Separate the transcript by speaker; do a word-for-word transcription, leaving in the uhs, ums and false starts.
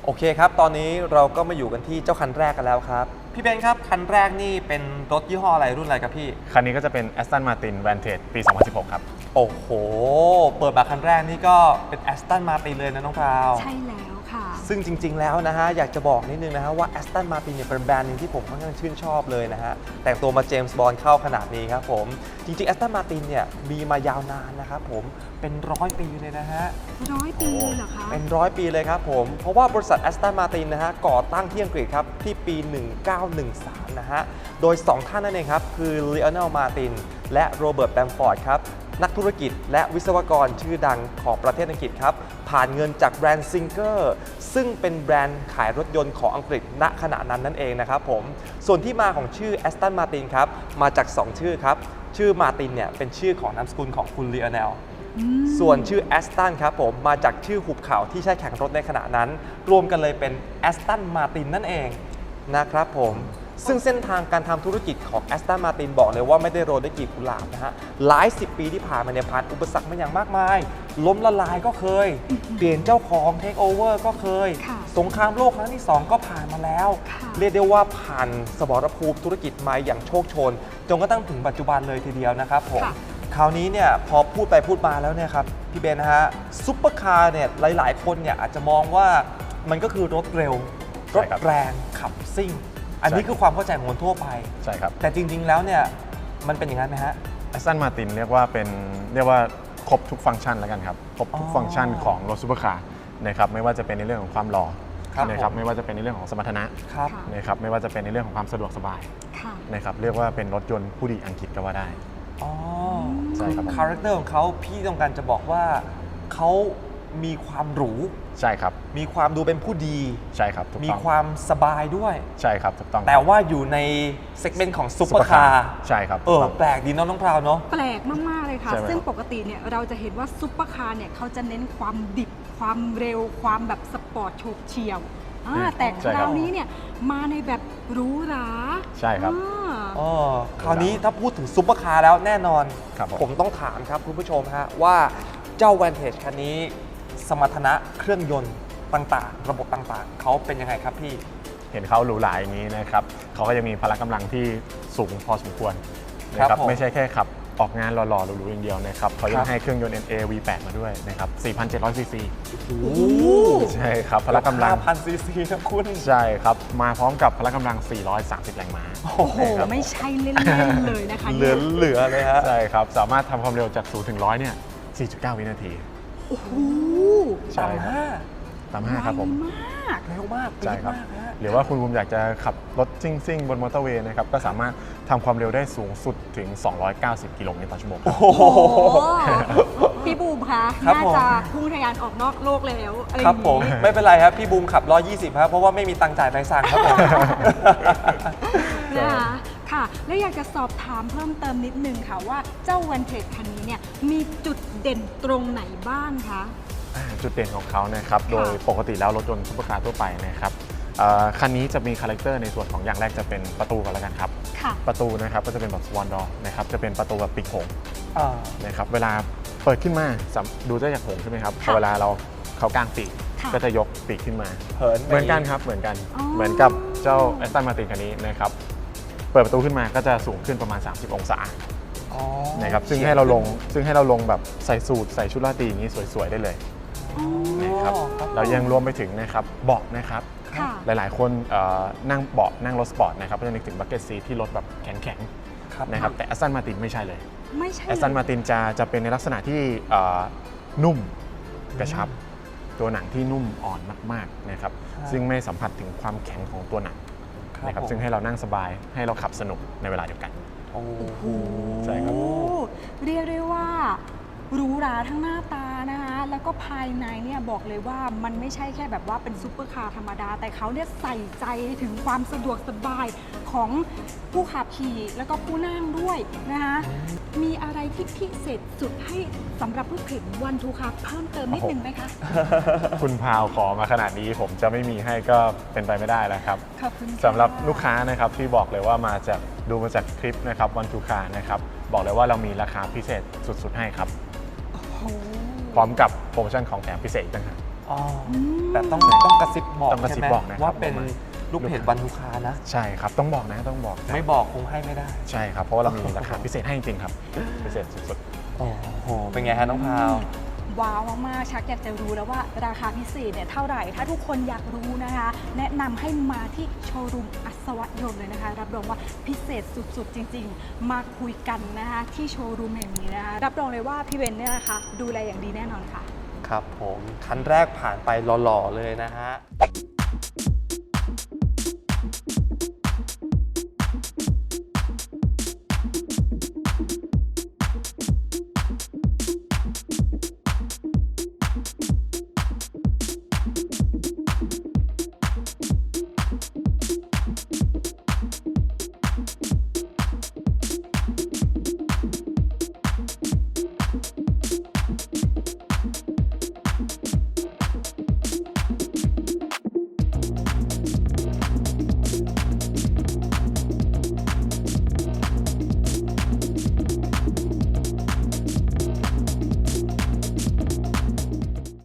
Speaker 1: โอเคครับตอนนี้เราก็มาอยู่กันที่เจ้าคันแรกกันแล้วครับพี่เบนครับคันแรกนี่เป็นรถยี่ห้ออะไรรุ่นอะไรครับพี่
Speaker 2: คันนี้ก็จะเป็น Aston Martin Vantage ปี สองพันสิบหก ครับ
Speaker 1: โอ้โหเปิดมาคันแรกนี่ก็เป็น Aston Martin เลยนะน้องพราว
Speaker 3: ใช่แล้วค่ะ
Speaker 1: ซึ่งจริงๆแล้วนะฮะอยากจะบอกนิดนึงนะฮะว่า Aston Martin เนี่ยเป็นแบรนด์นึงที่ผมค่อนข้างชื่นชอบเลยนะฮะแต่งตัวมาเจมส์บอนด์เข้าขนาดนี้ครับผมจริงๆ Aston Martin เนี่ยมีมายาวนานนะครับผมเป็นร้อยปีเลยนะฮะ
Speaker 3: ร้อยปีเลยเหรอคะ
Speaker 1: เป็นร้อยปีเลยครับผมเพราะว่าบริษัท Aston Martin นะฮะก่อตั้งที่อังกฤษครับที่ปี หนึ่งเก้าหนึ่งสาม นะฮะโดยสองท่านนั่นเองครับคือ Lionel Martin และ Robert Bamford ครับนักธุรกิจและวิศวกรชื่อดังของประเทศอังกฤษครับผ่านเงินจากแบรนด์ Singer ซึ่งเป็นแบรนด์ขายรถยนต์ของอังกฤษณขณะนั้นนั่นเองนะครับผมส่วนที่มาของชื่อ Aston Martin ครับมาจากสองชื่อครับชื่อ Martin เนี่ยเป็นชื่อของนามสกุลของคุณ Lionel ส่วนชื่อ Aston ครับผมมาจากชื่อหุบเขาที่ใช้แข่งรถในขณะนั้นรวมกันเลยเป็น Aston Martin นั่นเองนะครับผมซึ่งเส้นทางการทำธุรกิจของ Aston Martin บอกเลยว่าไม่ได้โรยด้วยกลีบกุหลาบนะฮะหลายสิบปีที่ผ่านมาเนี่ยผ่านอุปสรรคมาอย่างมากมายล้มละลายก็เคยเปลี่ยนเจ้าของเทคโอเวอร์ก็เคยสงครามโลกครั้งที่สองก็ผ่านมาแล้วเรียกได้ว่าผ่านสมรภูมิธุรกิจมาอย่างโชคโชนจนกระทั่งถึงปัจจุบันเลยทีเดียวนะครับผมคราวนี้เนี่ยพอพูดไปพูดมาแล้วเนี่ยครับพี่เบนนะฮะซุปเปอร์คาร์เนี่ยหลายๆคนเนี่ยอาจจะมองว่ามันก็คือรถเร็วรถแรงขับซิ่งอันนี้คือความเข้าใจของคนทั่วไป
Speaker 2: ใช่ครับ
Speaker 1: แต่จริงๆแล้วเนี่ยมันเป็นอย่างนั้นไหมฮะ
Speaker 2: Aston Martin เรียกว่าเป็นเรียกว่าครบทุกฟังก์ชันแล้วกันครับครบทุกฟังก์ชันของรถซูเปอร์คาร์นะครับไม่ว่าจะเป็นในเรื่องของความหล่อนะครับไม่ว่าจะเป็นในเรื่องของสมรรถนะนะครับไม่ว่าจะเป็นในเรื่องของความสะดวกสบายนะครับเรียกว่าเป็นรถยนต์ผู้ดีอังกฤษก็ว่าได้
Speaker 1: อ๋อใช่ครับคาแรคเตอร์ของเขาพี่ต้องการจะบอกว่าเขามีความหรู
Speaker 2: ใช่ครับ
Speaker 1: มีความดูเป็นผู้ดี
Speaker 2: ใช่ครับ
Speaker 1: มีความสบายด้วย
Speaker 2: ใช่ครับถูกต้อง
Speaker 1: แต่ว่าอยู่ในเซกเมนต์ของซุปเปอร์คาร์
Speaker 2: ใช่ครับ
Speaker 1: เออแปลกดีเนาะน้องพราวเนาะ
Speaker 3: แปลกมากๆเลยค่ะซึ่งปกติเนี่ยเราจะเห็นว่าซุปเปอร์คาร์เนี่ยเขาจะเน้นความดิบความเร็วความแบบสปอร์ตโฉบเฉี่ยวแต่คราวนี้เนี่ยมาในแบบหรูหรา
Speaker 2: ใช่ครับ
Speaker 1: อ๋อคราวนี้ถ้าพูดถึงซุปเปอร์คาร์แล้วแน่นอนผมต้องถามครับคุณผู้ชมฮะว่าเจ้า Vantage คันนี้สมรรถนะเครื่องยนต์ต่างๆระบบต่างๆเขาเป็นยังไงครับพี่
Speaker 2: เห็นเขาหรูหราอย่างนี้นะครับเขาก็จะมีพละกำลังที่สูงพอสมควรนะครับไม่ใช่แค่ขับออกงานหล่อๆหรูๆอย่างเดียวนะครับเขายังให้เครื่องยนต์ เอ็น เอ วี แปด มาด้วยนะครับ สี่พันเจ็ดร้อย ซีซีใช่ครับพละกำลัง
Speaker 1: ห้าพัน ซีซีนะคุณ
Speaker 2: ใช่ครับมาพร้อมกับพละกำลังสี่ร้อยสามสิบแรงม้า
Speaker 3: โอ้โหไม่ใช่เล่นๆเลยนะคะ
Speaker 1: เหลือเหลือเลยฮะ
Speaker 2: ใช่ครับสามารถทำความเร็วจากศูนย์ถึงร้อยเนี่ย สี่จุดเก้า วินาที
Speaker 3: โอ้โห
Speaker 1: ต่ำห้า
Speaker 2: ต่ำห้าครับผม
Speaker 1: เร็วมาก
Speaker 2: ใช่ครับหรือว่าคุณภูมิอยากจะขับรถซิ่งๆบนมอเตอร์เวย์นะครับก็สามารถทำความเร็วได้สูงสุดถึงสองร้อยเก้าสิบกิโลเมตรต่อชั่วโมง
Speaker 3: โอ้โหพี่บูมคะน่าจะพุ่งทะยานออกนอกโลกแล้ว
Speaker 1: ครับผมไม่เป็นไรครับพี่บูมขับหนึ่งร้อยยี่สิบครับเพราะว่าไม่มีตังค์จ่ายใบสั่งครับผม
Speaker 3: นะคะค่ะและอยากจะสอบถามเพิ่มเติมนิดนึงค่ะว่าเจ้า Vantage คันนี้เนี่ยมีจุดเด่นตรงไหนบ้างคะ
Speaker 2: จุดเด่นของเขานะครับโดยปกติแล้วรถยนต์ซุปเปอร์คาร์ทั่วไปนะครับคันนี้จะมีคาแรคเตอร์ในส่วนของอย่างแรกจะเป็นประตูก่อนแล้วกันครับประตูนะครับก็จะเป็นแบบสวอนดอร์นะครับจะเป็นประตูแบบปีกโขงนะครับเวลาเปิดขึ้นมาดูได้จากโขงใช่ไหมครับพอเวลาเราเขากางปีกก็จะยกปีกขึ้นมาเหมือนกันครับเหมือนกันเหมือนกับเจ้า Aston Martin คันนี้นะครับเปิดประตูขึ้นมาก็จะสูงขึ้นประมาณสามสิบองศานะครับซึ่งให้เราลงซึ่งให้เราลงแบบใส่สูทใส่ชุดราตรีอย่างนี้สวยๆได้เลยนะครับเรายังรวมไปถึงนะครับเบาะนะครับหลายๆคนนั่งเบาะนั่งรถสปอร์ตนะครับก็จะนึกถึงบักเก็ตซีที่รถแบบแข็งๆนะครับแต่ Aston Martin ไม่ใช่เลย
Speaker 3: ไม่ใช่
Speaker 2: Aston Martin จะจะเป็นในลักษณะที่นุ่มกระชับตัวหนังที่นุ่มอ่อนมากๆนะครับซึ่งไม่สัมผัสถึงความแข็งของตัวหนังนะครับซึ่งให้เรานั่งสบายให้เราขับสนุกในเวลาเดียวกัน
Speaker 3: โอ้โห
Speaker 2: ใช่ครับ
Speaker 3: เรียกได้ว่าหรูหราทั้งหน้าตานะคะแล้วก็ภายในเนี่ยบอกเลยว่ามันไม่ใช่แค่แบบว่าเป็นซุปเปอร์คาร์ธรรมดาแต่เขาเนี่ยใส่ใจถึงความสะดวกสบายของผู้ขับขี่แล้วก็ผู้นั่งด้วยนะคะมีอะไรที่พิเศษสุดให้สำหรับผู้ขับวันทูคาร์เพิ่มเติมนิดนึงไหมคะ
Speaker 2: คุณพาวขอมาขนาดนี้ผมจะไม่มีให้ก็เป็นไปไม่ได้แล้วครับสำหรับลูกค้านะครับที่บอกเลยว่ามาจากดูมาจากคลิปนะครับวันทูคาร์นะครับบอกเลยว่าเรามีราคาพิเศษสุดๆให้ครับพร้อมกับโปรโมชั่นของแถมพิเศษอีกต่างหาก
Speaker 1: อ๋อ
Speaker 3: ม
Speaker 1: แต่ต้องต้องกระซิบบอก
Speaker 2: ต้องกระ
Speaker 1: ใช่
Speaker 2: ซิบ
Speaker 1: ไหม
Speaker 2: บอกนะครับ
Speaker 1: ว่าเป็นลูกเพจวันทุกคานะ
Speaker 2: ใช่ครับต้องบอกนะต้องบอกนะ
Speaker 1: ไม่บอกคงให้ไม่ได้
Speaker 2: ใช่ครับเพราะว่าเรามีราคาพิเศษให้จริงๆครับพิเศษสุด
Speaker 1: โอ้โห เป็นไงฮะน้องพาว
Speaker 3: ว้าวมากๆชักอยากจะรู้แล้วว่าราคาพิเศษเนี่ยเท่าไหร่ ถ้าทุกคนอยากรู้นะคะ แนะนำให้มาที่โชว์รูมอัศวะยนต์เลยนะคะ รับรองว่าพิเศษสุดๆ จริงๆ มาคุยกันนะคะที่โชว์รูมแห่งนี้นะคะ รับรองเลยว่าพี่เบนเนี่ยนะคะดูแลอย่างดีแน่นอนค่ะ
Speaker 1: ครับผมคันแรกผ่านไปหล่อๆเลยนะฮะ